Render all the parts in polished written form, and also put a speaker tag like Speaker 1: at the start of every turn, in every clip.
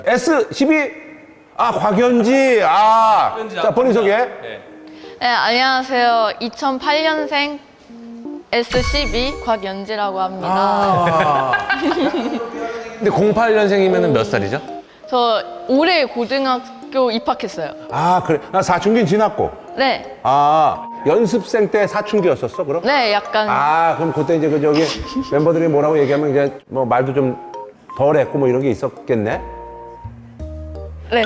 Speaker 1: S12? 아, 곽연지. 자, 본인 소개.
Speaker 2: 네, 안녕하세요. 2008년생 S12 곽연지라고 합니다.
Speaker 3: 근데 08년생이면 몇 살이죠?
Speaker 2: 저 올해 고등학교 입학했어요.
Speaker 1: 아, 그래. 나 사춘기 지났고.
Speaker 2: 네,
Speaker 1: 연습생 때 사춘기였었어, 그럼?
Speaker 2: 네, 약간
Speaker 1: 그럼 그때 이제 저기 멤버들이 뭐라고 얘기하면 이제 뭐 말도 좀 덜 했고 뭐 이런 게 있었겠네?
Speaker 2: 네.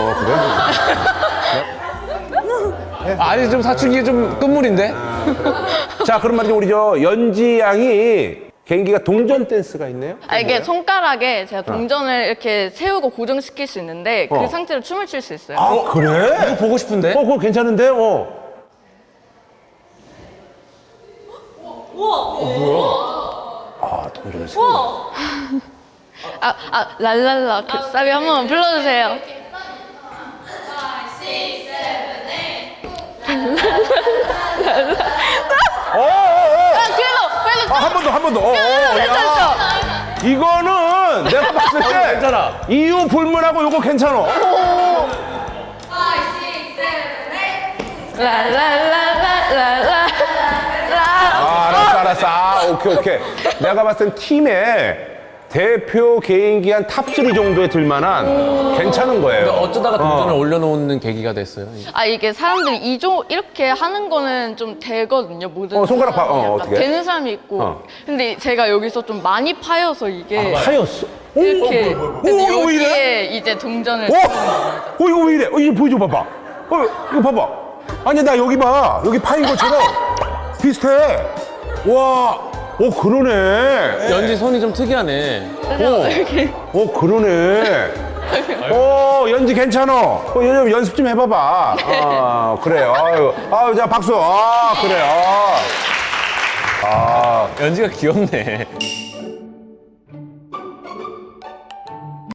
Speaker 1: 그래?
Speaker 3: 아니, 좀 사춘기 좀 끝물인데?
Speaker 1: 자, 그럼 말이죠. 우리 저 연지 양이 개인기가 동전 댄스가 있네요?
Speaker 2: 이게 손가락에 제가 동전을 이렇게 세우고 고정시킬 수 있는데 그 상태로 춤을 출 수 있어요.
Speaker 1: 그래?
Speaker 3: 이거 보고 싶은데?
Speaker 1: 그거 괜찮은데? 동전을 세워.
Speaker 2: 랄랄라 그 사비 한번 불러주세요. 그래도
Speaker 1: 한 번 더.
Speaker 2: 괜찮죠?
Speaker 1: 이거는 내가 봤을 때
Speaker 3: 괜찮아.
Speaker 1: 이유 불문하고 요거 괜찮아.
Speaker 2: 랄랄랄랄랄라.
Speaker 1: 알았어. 오케이. 내가 봤을 땐 팀에 대표 개인기 한 탑3 정도에 들만한 괜찮은 거예요.
Speaker 3: 어쩌다가 동전을 올려놓는 계기가 됐어요.
Speaker 2: 이게 사람들이 이렇게 하는 거는 좀 되거든요. 모든
Speaker 1: 손가락
Speaker 2: 사람이 약간
Speaker 1: 어떻게?
Speaker 2: 되는 사람이 있고. 근데 제가 여기서 좀 많이 파여서 이게
Speaker 1: 하였어.
Speaker 2: 이렇게 그래서
Speaker 1: 이거 왜 이래?
Speaker 2: 여기에 이제 동전을
Speaker 1: 이거 왜 이래? 이거 보여줘 봐봐. 이거 봐봐. 아니 나 여기 봐. 여기 파인 것처럼 비슷해. 와, 그러네.
Speaker 3: 연지 손이 좀 특이하네.
Speaker 1: 그러네. 연지 괜찮아. 연습 좀 해봐봐. 그래요. 자 박수. 그래.
Speaker 3: 연지가 귀엽네.